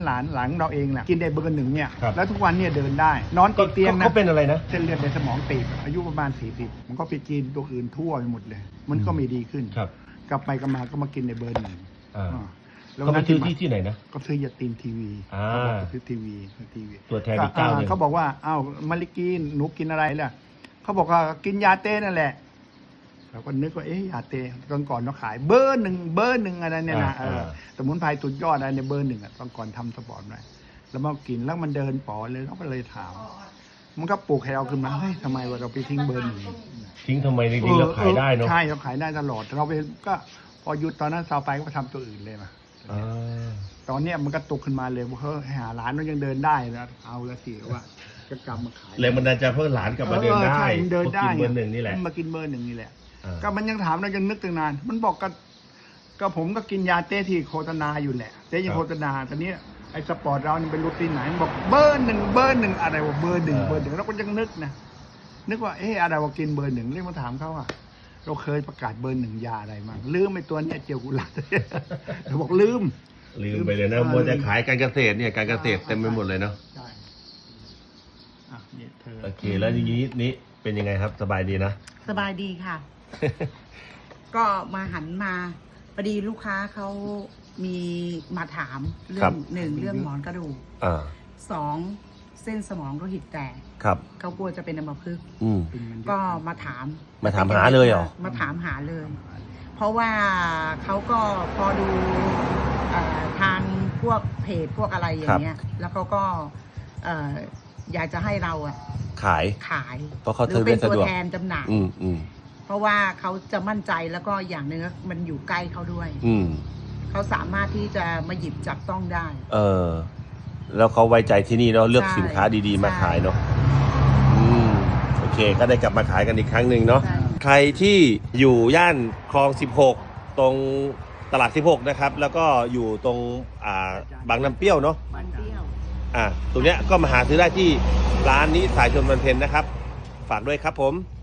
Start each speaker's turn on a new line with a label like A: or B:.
A: หลานเราเองแหละกินได้เบอร์ 1เนี่ยแล้วทุกวันเนี่ยเดินได้นอนติดเตียงนะ
B: เขาเป็นอะไรนะ
A: เส้นเลือดในสมองตีบอายุประมาณ40มันก็ไปกินตัวอื่นทั่วไปหมดเลยมันก็ไม่ดีขึ้น
B: ครับ
A: กลับไปกลับมาก็มากินในเบอร์ 1
B: แล้วเขาไปซื้อที่ไหนนะ
A: ก็ซื้อยาตีนทีวีซื้อทีวี
B: ตัวแทนอีกเจ้านึง
A: เขาบอกว่าอ้าวมาริกินหนูกินอะไรล่ะเขาบอกว่ากินยาเต้นั่นแหละเราก็นึกว่าเอ๊ะยาเต้ก่อนเราขายเบอร์ 1อะไรเนี่ยนะสมุนไพรสุดยอดอะไรในเบอร์ 1ตอนก่อนทำสปอร์ตหน่อยแล้วมากินแล้วมันเดินป๋อเลยเราก็เลยถามมันก็ปลุกให้เราขึ้นมาเฮ้ยทำไมเราไปทิ้งเบอร์ 1
B: ทิ้งทำไมจริงๆเราขายได้เนาะ
A: ใช่เราขายได้ตลอดเราไปก็พอหยุดตอนนั้นซาวไปก็ทำตัวอื่นเลยมาตอนนี้มันก็ตกขึ้นมาเลยว่าเฮ้ยหาร้านมันยังเดินได้นะเอาละสิว่าจะกลับมาขาย
B: แรงบันดาลใจเพื่อหลานกลับมาเดินได้
A: เดินได้
B: กินเบอร์ 1นี่แหละ
A: มากินเบอร์ 1นี่แหละก็มันยังถามเรายังนึกตั้งนานมันบอกก็ผมก็กินยาเต้ที่โฆษณาอยู่แหละเต้ยังโฆษณาตอนนี้ไอ้สปอร์ตเราเนี่ยเป็นรูทีนไหนบอกเบอร์ 1อะไรวะเบอร์ 1เราก็ยังนึกว่าเอ๊ะอะไรว่ากินเบอร์ 1เรียกมาถามเขาอ่ะเราเคยประกาศเบอร์ 1ยาอะไรมั้งลืมไอ้ตัวนี้เจียวกุหลาบเราบอกลืม
B: ไปเลยนะมัวจะขายการเกษตรเนี่ยการเกษตรเต็มไปหมดเลยเนาะ
A: ใช่
B: โอเคแล้วอย่างนี้นี่เป็นยังไงครับสบายดีนะ
C: สบายดีค่ะ ก็มาหันมาพอดีลูกค้าเขามีมาถามเรื่อง1เรื่องหมอนกระดูก2เส้นสมองโลหิตแตกเขากลัวจะเป็นอัมพฤกษ์ก็มาถาม
B: หาเลยเหรอ
C: มาถามหาเลย เพราะว่าเขาก็พอดูทางพวกเพจพวกอะไรอย่างเงี้ยแล้วเขาก็อยากจะให้เราขาย
B: เพราะเขา
C: เป็นตัวแทนจำหน่ายเพราะว่าเขาจะมั่นใจแล้วก็อย่างหนึ่งมันอยู่ใกล้เขาด้วยเขาสามารถที่จะมาหยิบจับต้องได้
B: แล้วเขาไว้ใจที่นี่เนาะเลือกสินค้าดีๆมาขายเนาะโอเคก็ได้กลับมาขายกันอีกครั้งหนึ่งเนาะใครที่อยู่ย่านคลอง16ตรงตลาด16นะครับแล้วก็อยู่ตรงบางน้ำเปรี้ยวเนาะตรงเนี้ยก็มาหาซื้อได้ที่ร้านนี้สายชนบันเพ็ญนะครับฝากด้วยครับผม